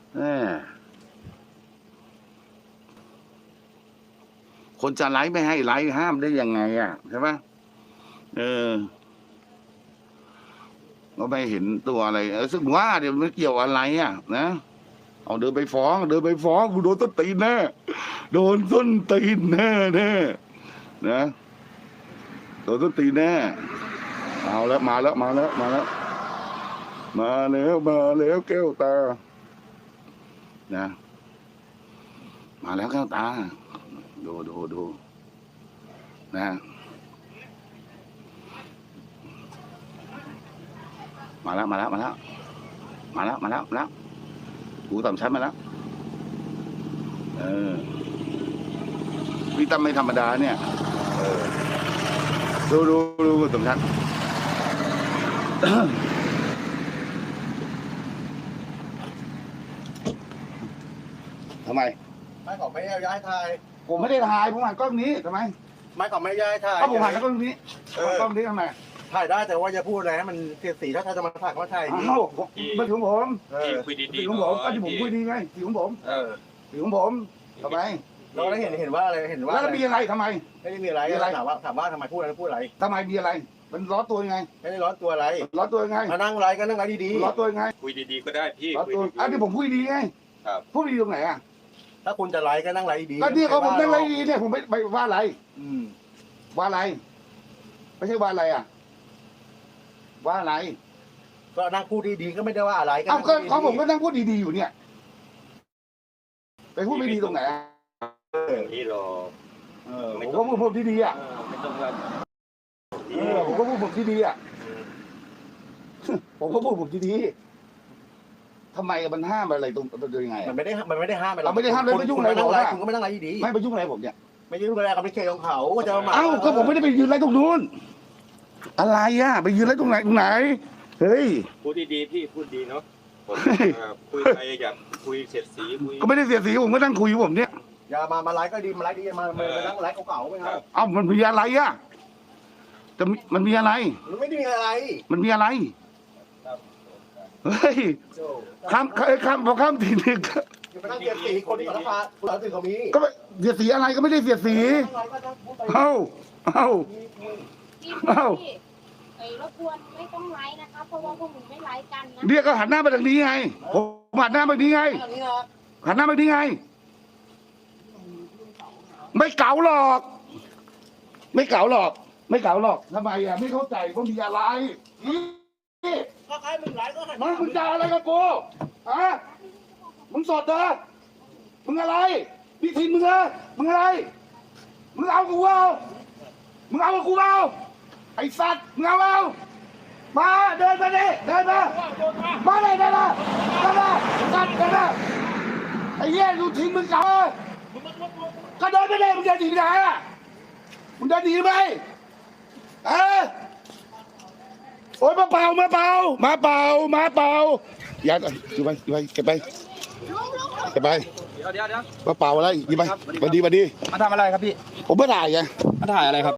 คนจะไลฟ์ไม่ให้ไลฟ์ห้ามได้ยังไงอ่ะใช่ไหมก็ไม่เห็นตัวอะไรซึ่งว่าเดี๋ยวมันเกี่ยวอะไรอ่ะนะเอาเดินไปฟ้องกูโดนต้นตีนแน่โดนต้นตีนแน่นะโดนต้นตีนแน่เอาแล้วมาแล้วแก้วตานะมาแล้วแก้วตาดูนะมาแล้วกูต่ำชั้นมาแล้วพี่ตั้มไม่ธรรมดาเนี่ยดูต่ำชั้นทำไมไม่ขอไม่ย้ายถ่ายผมไม่ได้ถ่ายผมหันกล้องนี้ทำไมไม่ขอไม่ย้ายถ่ายผมหันกล้องนี้กล้องนี้ทำไมถ่ายได้แต่ว่าอย่าพูดอะไรให้มันเสียสีถ้าจะมาถ่ายก็ถ่ายดีมันถึงผมคุยดีๆของผมก็ที่ผมคุยดีไงสีของผมสีของผมทำไมเราได้เห็นว่าอะไรเห็นว่าแล้วมีอะไรทำไมไม่ได้มีอะไรถามว่าทำไมพูดอะไรทำไมมีอะไรมันร้อนตัวยังไงไม่ได้ร้อนตัวอะไรร้อนตัวยังไงมานั่งไรก็นั่งไรดีๆร้อนตัวยังไงคุยดีๆก็ได้พี่ร้อนตัวที่ผมคุยดีไงพูดดีตรงไหนอ่ะถ้าคุณจะไรก็นั่งไรดีก็ที่เขาผมนั่งไรดีเนี่ยผมไม่ว่าอะไรว่าอะไรไม่ใช่ว่าอะไรอ่ะว่าอะไรก็นั่งพูดดีๆก็ไม่ได้ว่าอะไรก็เขาผมก็นั่งพูดดีๆอยู่เนี่ยไปพูดไม่ดีตรงไหนนี่หรอผมก็พูดผมดีๆอ่ะไม่ต้องว่าผมก็พูดผมดีๆอ่ะผมก็พูดผมดีๆทำไมมันห้ามอะไรตรงยังไงมันไม่ได้ห้ามเราไม่ได้ห้ามเลยไม่ยุ่งอะไรผมคุณก็ไม่นั่งไรดีไม่ไปยุ่งอะไรผมเนี่ยไม่ยุ่งอะไรกับไม่เคยของเขาก็จะมาก็ผมไม่ได้ไปยืนไรตรงนู้นอะไรอ่ะไปยืนไรตรงไหนเฮ้ยพูดดีๆพี่พูดดีเนาะคุยไปอยากคุยเสียดสีก็ไม่ได้เสียดสีผมก็นั่งคุยผมเนี่ยอย่ามาไลฟ์ก็ดีมาไลฟ์ดีมานั่งไลฟ์เก่าๆไหมครับมันมีอะไรอ่ะแต่มันมีอะไรมันไม่ได้มีอะไรมันมีอะไรเฮ้ยพอข้ามทีนึงไปนั่งเสียดสีคนที่เขาพาคุณเหล่าสื่อเขามีก็เสียดสีอะไรก็ไม่ได้เสียดสีเอ้รบกวนไม่ต้องไลฟ์นะคะเพราะว่าพวกหนูไม่ไลฟ์กันนะเรียกก็หันหน้ามาทางนี้ไงผมหันหน้ามาทางนี้ไงหันหน้ามาทางนี้ไงไม่เก๋าหรอกทำไมอ่ะไม่เข้าใจว่ามีอะไรก็ใครมึงไลฟ์ก็มึงจะอะไรกับกูมึงสดเหรอมึงอะไรพี่ทินมึงอะไรมึงเอากูเอาไอ้สัตว์มึงเอามาเดินมาเลยสัตว์เดินมาไอ้เหี้ยดูทิ้งมึงก็เดินไปเลยมึงจะหนีไปไหนอ่ะมึงจะหนีไหมโอ๊ยมาเป่าอย่าอยู่ไปเก็บไปมาเป่าอะไรยิงไปมาดีมาทำอะไรครับพี่ผมไม่ถ่ายไงมาถ่ายอะไรครับ